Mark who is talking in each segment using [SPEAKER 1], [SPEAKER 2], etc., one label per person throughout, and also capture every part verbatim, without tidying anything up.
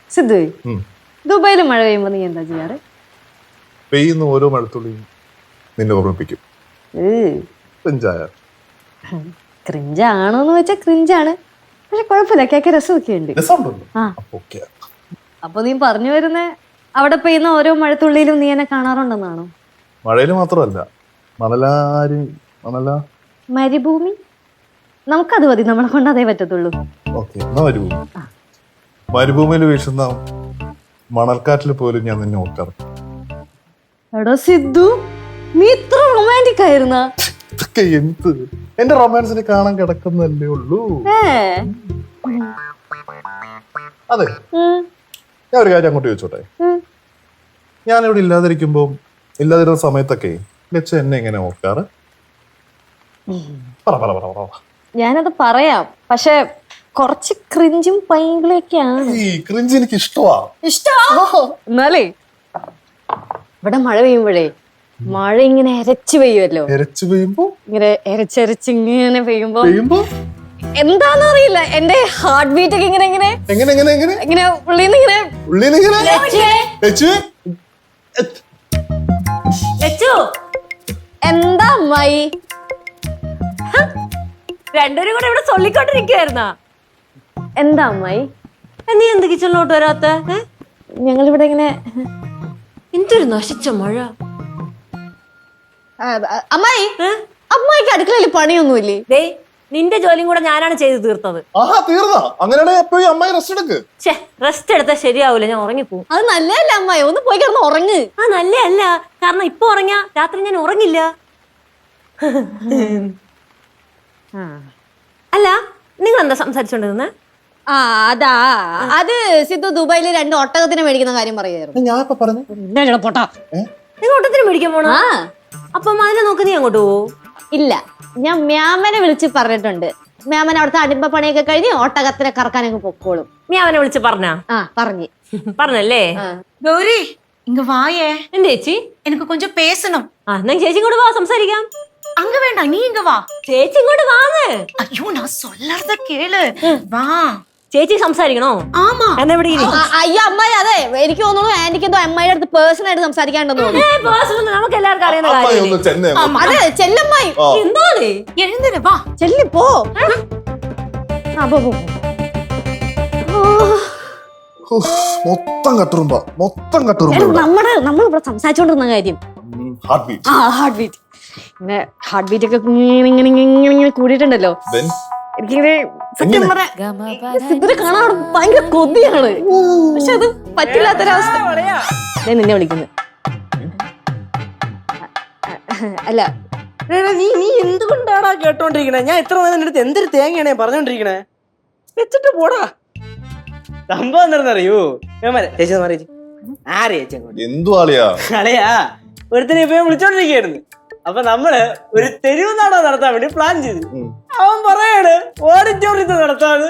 [SPEAKER 1] സിദ്ധു, ദുബായിൽ മഴ പെയ്യുമ്പോ നീ എന്താ ചെയ്യാറ്?
[SPEAKER 2] പെയ്യുന്ന ഓരോ മഴത്തുള്ളിയും നിന്നെ ഓർമ്മിപ്പിക്കും.
[SPEAKER 1] ക്രിഞ്ചാണോന്ന് വെച്ചാ ക്രിഞ്ചാണ്, പക്ഷെ കുഴപ്പമില്ല, കേൾക്കാൻ രസമൊക്കെ ഉണ്ട്. അപ്പൊ നീ പറഞ്ഞു വരുന്ന അവിടെ പെയ്യുന്ന ഓരോ മഴത്തുള്ളിയിലും നീ എന്നെ കാണാറുണ്ടെന്നാണോ?
[SPEAKER 2] മഴയില് മാത്രമല്ല, മണലാരി മണല
[SPEAKER 1] മരുഭൂമി നമുക്കത് മതി, നമ്മളെ കൊണ്ട് അതേ പറ്റത്തുള്ളൂ.
[SPEAKER 2] മരുഭൂമി മരുഭൂമിയിൽ വീശുന്ന മണൽക്കാറ്റിൽ പോലും ഞാൻ നിന്നെ ഓർക്കാറ്.
[SPEAKER 1] എടാ സിദ്ധു, നീ ഇത്ര റൊമാൻറ്റിക് ആയിരുന്ന?
[SPEAKER 2] എന്ത് എന്റെ റൊമാൻസിനെ കാണാൻ കിടക്കുന്നല്ലേ ഉള്ളൂ. അതെ, ഞാൻ ഒരു കാര്യം അങ്ങോട്ട് ചോദിച്ചോട്ടെ. ഞാൻ ഇവിടെ ഇല്ലാതിരിക്കുമ്പോ ഇല്ലാതിരുന്ന സമയത്തൊക്കെ ലച്ച എന്നെ എങ്ങനെ ഓർക്കാറ്? പറ പറ പറ.
[SPEAKER 1] ഞാനത് പറയാം, പക്ഷെ കുറച്ച് ക്രിഞ്ചും പൈങ്കിളൊക്കെയാണ്.
[SPEAKER 2] ഈ ക്രിഞ്ച് എനിക്ക് ഇഷ്ടമാ.
[SPEAKER 1] ഇഷ്ടമാ? എന്നാലേ ഇവിടെ മഴ പെയ്യുമ്പോഴേ മഴ ഇങ്ങനെ എരച്ചു പെയ്യുമല്ലോ.
[SPEAKER 2] എരച്ചു പെയ്യുമ്പോ
[SPEAKER 1] ഇങ്ങനെ എരച്ചരച്ച് ഇങ്ങനെ പെയ്യുമ്പോ
[SPEAKER 2] പെയ്യുമ്പോ
[SPEAKER 1] എന്താന്ന് അറിയില്ല, എന്റെ ഹാർട്ട് ബീറ്റ് ഒക്കെ ഇങ്ങനെ ഇങ്ങനെ
[SPEAKER 2] എങ്ങനെ എങ്ങനെ എങ്ങനെ
[SPEAKER 1] ഇങ്ങനെ ഉള്ളിന്ന് ഇങ്ങനെ
[SPEAKER 2] ഉള്ളിന്ന് ഇങ്ങനെ
[SPEAKER 1] എന്താ അമ്മായി
[SPEAKER 3] രണ്ടുപേരും കൂടെ ഇവിടെ ചൊല്ലിക്കൊണ്ടിരിക്കുവായിരുന്നാ?
[SPEAKER 1] എന്താ അമ്മായി,
[SPEAKER 3] നീ എന്ത് കിച്ചണിലോട്ട് വരാത്ത?
[SPEAKER 1] ഞങ്ങളിവിടെ ഇങ്ങനെ
[SPEAKER 3] എന്തൊരു നശിച്ച മഴ.
[SPEAKER 1] അമ്മായി, അമ്മായിക്ക് അടുക്കളയിൽ പണിയൊന്നുമില്ലേ?
[SPEAKER 3] ദേ, നിന്റെ ജോലിയും കൂടെ ഞാനാണ് ചെയ്ത് തീർത്തത്. റെസ്റ്റ് എടുത്താൽ ശരിയാവൂല, ഞാൻ ഉറങ്ങിപ്പോവും.
[SPEAKER 1] അത് നല്ലതല്ല അമ്മായി, ഒന്ന് പോയി കിടന്ന് ഉറങ്ങ്.
[SPEAKER 3] ആ നല്ലതല്ല, കാരണം ഇപ്പൊ ഉറങ്ങിയാ രാത്രി ഞാൻ ഉറങ്ങില്ല. അല്ല, നിങ്ങൾ എന്താ സംസാരിച്ചോണ്ടിരുന്നെ?
[SPEAKER 1] ആ അതാ, അത് സിദ്ധു ദുബായില് രണ്ട് ഒട്ടകത്തിനെ മേടിക്കുന്ന കാര്യം പറയായിരുന്നു.
[SPEAKER 3] നിങ്ങൾ ഒട്ടത്തിന് മേടിക്കാൻ പോണോ? അപ്പം അതിനെ നോക്ക്, നീ അങ്ങോട്ട് പോവോ?
[SPEAKER 1] ഇല്ല, ഞാൻ മ്യാമനെ വിളിച്ച് പറഞ്ഞിട്ടുണ്ട്. മ്യാമൻ അവിടുത്തെ അടിമ്പ പണിയൊക്കെ കഴിഞ്ഞ് ഒട്ടകത്തിനെ കറക്കാനൊക്കെ പൊക്കോളും.
[SPEAKER 3] മ്യാമനെ വിളിച്ച് പറഞ്ഞാ?
[SPEAKER 1] ആ പറഞ്ഞു.
[SPEAKER 3] പറഞ്ഞല്ലേ?
[SPEAKER 4] ഗൗരി, ഇങ്ങ വായേ.
[SPEAKER 3] എന്താ ചേച്ചി?
[SPEAKER 4] എനിക്ക് കൊഞ്ചം പേസണം.
[SPEAKER 3] ആ, എന്നാ ചേച്ചി ഇങ്ങോട്ട് വാ, സംസാരിക്കാം.
[SPEAKER 4] அங்க வேண்டாம், நீ இங்க வா.
[SPEAKER 3] ചേച്ചി ഇങ്ങോട്ട് വാന്ന്.
[SPEAKER 4] ஐயோ, நான் சொல்லறத கேளு. வா.
[SPEAKER 3] ചേച്ചി സംസാരിക്കണോ?
[SPEAKER 4] ആമാ.
[SPEAKER 3] എന്നാ ഇവിടെ ഇരി.
[SPEAKER 1] അയ്യോ അമ്മായി, അതെ എനിക്ക് തോന്നുന്നു ആന്റിക്ക് എന്തോ അമ്മായിയുടെ അടുത്ത് പേഴ്സണൽ ആയിട്ട് സംസാരിക്കാണ്ടെന്ന് തോന്നുന്നു.
[SPEAKER 3] നമുക്ക് എല്ലാവർക്കും അറിയുന്ന കാര്യം.
[SPEAKER 1] അതെ, ചെല്ലമ്മായി.
[SPEAKER 3] എന്താണ്?
[SPEAKER 4] എഴുന്നേറ്റ് വാ.
[SPEAKER 1] ചെല്ലി പോ.
[SPEAKER 2] മൊത്തം കട്ടുറുമ്പ മൊത്തം കട്ടുറുമ്പ.
[SPEAKER 1] നമ്മുടെ നമ്മൾ ഇവിടെ സംസാരിച്ചോണ്ടിരുന്ന കാര്യം
[SPEAKER 2] ഹാർട്ട് ബീറ്റ്.
[SPEAKER 1] ആ ഹാർട്ട് ബീറ്റ് ഇങ്ങനെ ഹാർട്ട് ബീറ്റ് ഒക്കെ ഇങ്ങനെ ഇങ്ങനെ ഇങ്ങനെ ഇങ്ങനെ കൂടിയിട്ടുണ്ടല്ലോ. എനിക്കിങ്ങനെ സത്യം പറഞ്ഞ സിദ്ധുനെ കാണാൻ ഭയങ്കര കൊതിയാണ്, പക്ഷെ അത് പറ്റില്ലാത്തൊരവസ്ഥ. ഞാൻ നിന്നെ വിളിക്കുന്നു. അല്ല
[SPEAKER 5] നീ നീ എന്തുകൊണ്ടാടാ കേട്ടോണ്ടിരിക്കണേ? ഞാൻ ഇത്ര നേരം അടുത്ത് എന്തൊരു തേങ്ങയാണേ പറഞ്ഞോണ്ടിരിക്കണേ. വെച്ചിട്ട് പോടാ. സംഭവം എന്താണെന്നറിയോ? ചേച്ചി മാറി ആരെ ചേച്ചി
[SPEAKER 2] എന്തു ആളിയാ
[SPEAKER 5] കളയാ ഒരുത്തനെ ഇപ്പൊ വിളിച്ചോണ്ടിരിക്കായിരുന്നു. അപ്പൊ നമ്മള് ഒരു തെരുവ് നാടകം നടത്താൻ വേണ്ടി പ്ലാൻ ചെയ്തു. അവൻ പറയാണ് ഓഡിറ്റോറിയത്തിൽ നടത്താന്ന്.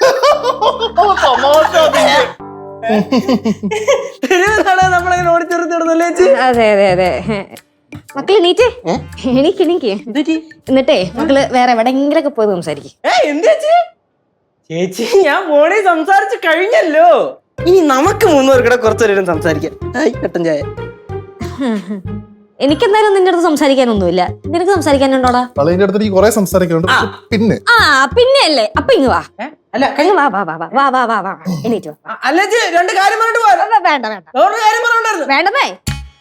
[SPEAKER 5] തെരുവ് നാടകം നമ്മളിങ്ങനെ ഓഡിറ്റോറിയത്തിൽ നടന്നല്ലേ ചേച്ചി?
[SPEAKER 1] അതെ അതെ അതെ. മക്കള് എണീറ്റേ, എണീക്ക് എണീക്ക്. എന്നിട്ടേ മക്കള് വേറെ എവിടെയെങ്കിലൊക്കെ പോയി സംസാരിക്കും.
[SPEAKER 5] ഏ എന്ത് ചേച്ചി? ചേച്ചി, ഞാൻ ഫോണിൽ സംസാരിച്ച് കഴിഞ്ഞല്ലോ. ഇനി നമുക്ക് മൂന്നുപേർക്കിടെ കുറച്ചേരം സംസാരിക്കാം. കട്ടൻ ചായ.
[SPEAKER 1] എനിക്കെന്തായാലും നിന്റെ അടുത്ത് സംസാരിക്കാനൊന്നുമില്ല. നിനക്ക് സംസാരിക്കാനുണ്ടോടാ?
[SPEAKER 2] സംസാരിക്കാനുണ്ട്. പിന്നെ
[SPEAKER 1] ആ പിന്നെ അല്ലേ, അപ്പൊ ഇങ്ങ് വാ.
[SPEAKER 5] അല്ല
[SPEAKER 1] വാ വാ വാ വാ വാ വാ വാ എണീറ്റ് വാ.
[SPEAKER 5] അല്ല ചേച്ചി, രണ്ട് കാര്യം പറഞ്ഞിട്ട് പോരാ.
[SPEAKER 1] വേണ്ട വേണ്ട
[SPEAKER 5] വേറൊരു കാര്യം പറഞ്ഞിട്ടുണ്ടായിരുന്നു.
[SPEAKER 1] വേണ്ടതേ.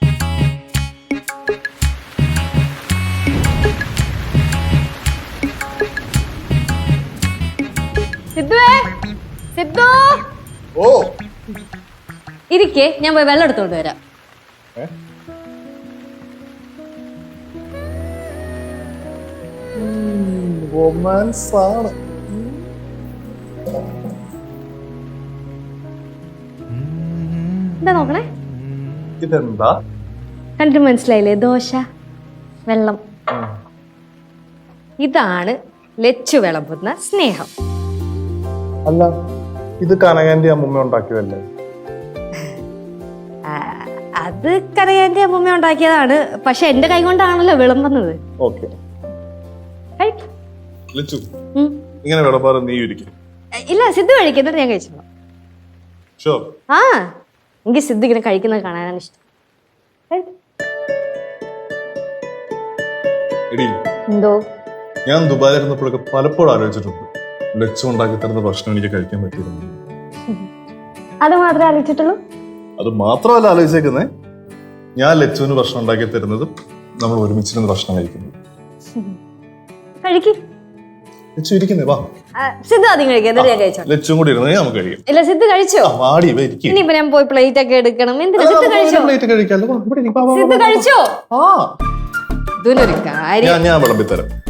[SPEAKER 1] സിദ്ധുവേ, സിദ്ധു
[SPEAKER 2] ഓ
[SPEAKER 1] ഇരിക്കേ, ഞാൻ പോയി വെള്ളം എടുത്തോണ്ട് വരാം.
[SPEAKER 2] റൊമാൻസ് ആണ്.
[SPEAKER 1] എന്താ നോക്കണേ?
[SPEAKER 2] ഇതെന്താ
[SPEAKER 1] കണ്ടിട്ട് മനസ്സിലായില്ലേ? ദോശ, വെള്ളം. ഇതാണ് ലച്ചു വിളമ്പുന്ന സ്നേഹം.
[SPEAKER 2] അല്ല, ഇത് കനകാന്റെ അമ്മൂമ്മ ഉണ്ടാക്കിയതല്ലേ?
[SPEAKER 1] അത് കനകാന്റെ അമ്മൂമ്മ ഉണ്ടാക്കിയതാണ്, പക്ഷെ എന്റെ കൈ കൊണ്ടാണല്ലോ വിളമ്പുന്നത്.
[SPEAKER 2] ഓക്കെ, ഇങ്ങനെ വിളമ്പാറ് നീ ഇരിക്കും.
[SPEAKER 1] ഇല്ല, സിദ്ധു കഴിക്കും, എന്നിട്ട് ഞാൻ കഴിച്ചോളാം.
[SPEAKER 2] ഷുവർ.
[SPEAKER 1] ആ എനിക്ക് സിദ്ധു ഇങ്ങനെ കഴിക്കുന്നത് കാണാനാണ് ഇഷ്ടം. കഴി-
[SPEAKER 2] എടി
[SPEAKER 1] എന്തോ
[SPEAKER 2] ഞാൻ ദുബായിലിരുന്നപ്പോഴൊക്കെ പലപ്പോഴും ആലോചിച്ചിട്ടുണ്ട് ലച്ചു ഉണ്ടാക്കി തരുന്ന ഭക്ഷണം എനിക്ക് കഴിക്കാൻ പറ്റിയിരുന്നു.
[SPEAKER 1] അത് മാത്രമേ ആലോചിച്ചിട്ടുള്ളൂ.
[SPEAKER 2] അത് മാത്രമല്ല ആലോചിച്ചേക്കുന്നേ, ഞാൻ ലച്ചുവിന് ഭക്ഷണം ഉണ്ടാക്കി തരുന്നത് നമ്മൾ ഒരുമിച്ചിരുന്ന് ഭക്ഷണം കഴിക്കുന്നത്.
[SPEAKER 1] കഴിക്ക്.
[SPEAKER 2] ലച്ചു ഇരിക്കുന്നേ വാ.
[SPEAKER 1] ആ, സിദ്ധു ആദ്യം കഴിക്കാം, എന്നിട്ട് ഞാൻ കഴിച്ചോ.
[SPEAKER 2] ലച്ചും കൂടി ഇരുന്നേ നമുക്ക് കഴിയും.
[SPEAKER 1] ഇല്ല സിദ്ധു കഴിച്ചോ.
[SPEAKER 2] ആ, വാടി ഇവ ഇരിക്കും.
[SPEAKER 1] ഇനിയിപ്പോ ഞാൻ പോയി പ്ലേറ്റ് ഒക്കെ എടുക്കണം. എന്തിനാ സിദ്ധു കഴിച്ചോ.
[SPEAKER 2] പ്ലേറ്റ് കഴിക്കാമല്ലോ. വാ, ഇവിടെ ഇരിക്ക്. വാ, വാ, വാ,
[SPEAKER 1] സിദ്ധു
[SPEAKER 2] വാ, വാ.
[SPEAKER 1] കഴിച്ചോ.
[SPEAKER 2] ആ
[SPEAKER 1] ഇതിനൊരു കാര്യം.
[SPEAKER 2] ഞാൻ ഞാൻ വിളമ്പിത്തരാം.